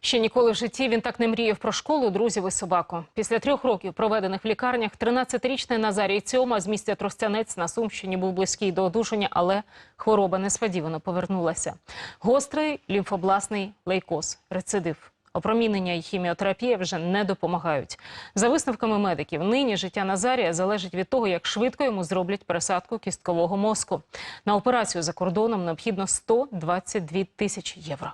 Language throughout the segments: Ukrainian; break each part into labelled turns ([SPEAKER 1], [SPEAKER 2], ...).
[SPEAKER 1] Ще ніколи в житті він так не мріяв про школу, друзів і собаку. Після 3 років, проведених в лікарнях, 13-річний Назарій Цьома з місця Тростянець на Сумщині був близький до одужання, але хвороба несподівано повернулася. Гострий лімфобластний лейкоз – рецидив. Опромінення і хіміотерапія вже не допомагають. За висновками медиків, нині життя Назарія залежить від того, як швидко йому зроблять пересадку кісткового мозку. На операцію за кордоном необхідно 122 тисячі євро.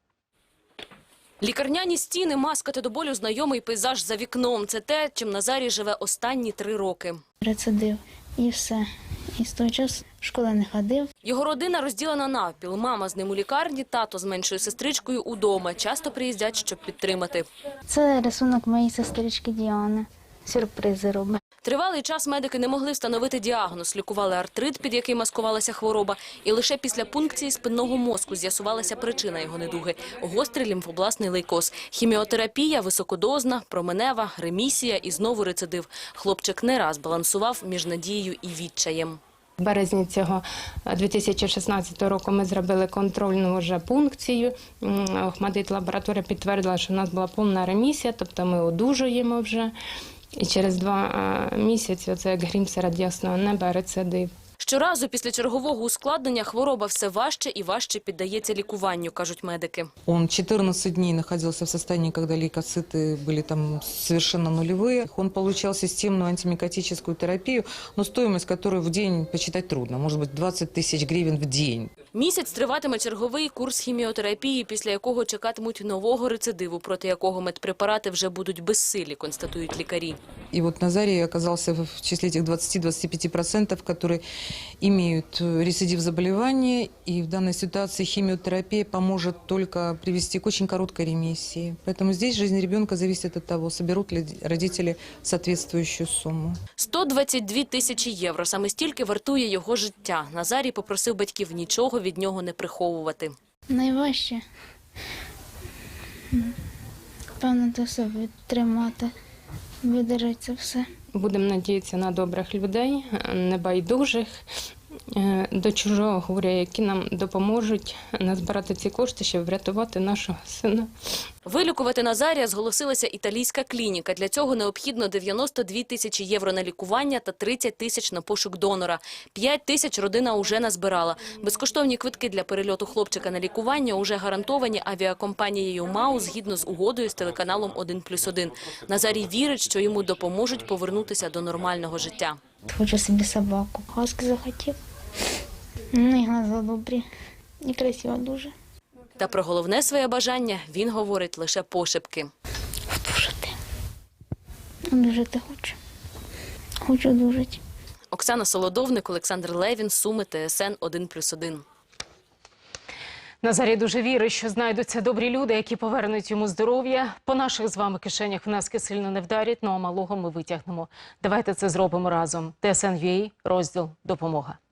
[SPEAKER 2] Лікарняні стіни, маска та до болю знайомий пейзаж за вікном. Це те, чим Назарій живе останні 3 роки.
[SPEAKER 3] Рецидив і все. І з того часу в школу не ходив.
[SPEAKER 2] Його родина розділена навпіл. Мама з ним у лікарні, тато з меншою сестричкою удома. Часто приїздять, щоб підтримати.
[SPEAKER 3] Це рисунок моєї сестрички Діани. Сюрпризи робить.
[SPEAKER 2] Тривалий час медики не могли встановити діагноз. Лікували артрит, під який маскувалася хвороба. І лише після пункції спинного мозку з'ясувалася причина його недуги – гострий лімфобластний лейкоз. Хіміотерапія, високодозна, променева, ремісія і знову рецидив. Хлопчик не раз балансував між надією і відчаєм.
[SPEAKER 4] В березні цього 2016 року ми зробили контрольну вже пункцію. Охмадит лабораторія підтвердила, що у нас була повна ремісія, тобто ми одужуємо вже. І через 2 місяці, оце як грім серед ясного неба, рецидив.
[SPEAKER 2] Щоразу після чергового ускладнення хвороба все важче і важче піддається лікуванню, кажуть медики.
[SPEAKER 5] Он 14 дней находился в состоянии, когда лейкоциты были там совершенно нулевые. Он получал системную антимикотическую терапию, но стоимость которой в день посчитать трудно. Может быть, 20 тысяч гривен в день.
[SPEAKER 2] Місяць триватиме черговий курс хіміотерапії, після якого чекатимуть нового рецидиву, проти якого медпрепарати вже будуть безсилі, констатують лікарі.
[SPEAKER 5] И вот Назарий оказался в числе этих 20-25%, которые имеют рецидив заболевания. И в данной ситуации химиотерапия поможет только привести к очень короткой ремиссии. Поэтому здесь жизнь ребенка зависит от того, соберут ли родители соответствующую сумму.
[SPEAKER 2] 122 тисячі євро. Саме стільки вартує його життя. Назарій попросив батьків нічого від нього не приховувати.
[SPEAKER 3] Найважче, певно, це все відтримати, видержати це все.
[SPEAKER 4] Будемо надіятися на добрих людей, небайдужих, до чужого горя, які нам допоможуть назбирати ці кошти, щоб врятувати нашого сина.
[SPEAKER 2] Вилікувати Назарія зголосилася італійська клініка. Для цього необхідно 92 тисячі євро на лікування та 30 тисяч на пошук донора. 5 тисяч родина уже назбирала. Безкоштовні квитки для перельоту хлопчика на лікування уже гарантовані авіакомпанією МАУ згідно з угодою з телеканалом «1+1». Назарій вірить, що йому допоможуть повернутися до нормального життя.
[SPEAKER 3] Хочу собі собаку. Хаски захотів. Ну і глаза добрі. І красиво дуже.
[SPEAKER 2] Та про головне своє бажання він говорить лише пошепки.
[SPEAKER 3] Одужати. Одужати хочу. Хочу одужати.
[SPEAKER 2] Оксана Солодовник, Олександр Левін, Суми, ТСН 1+1.
[SPEAKER 1] Назарій дуже вірить, що знайдуться добрі люди, які повернуть йому здоров'я. По наших з вами кишенях внески сильно не вдарять, ну а малого ми витягнемо. Давайте це зробимо разом. ТСН.UA, розділ «Допомога».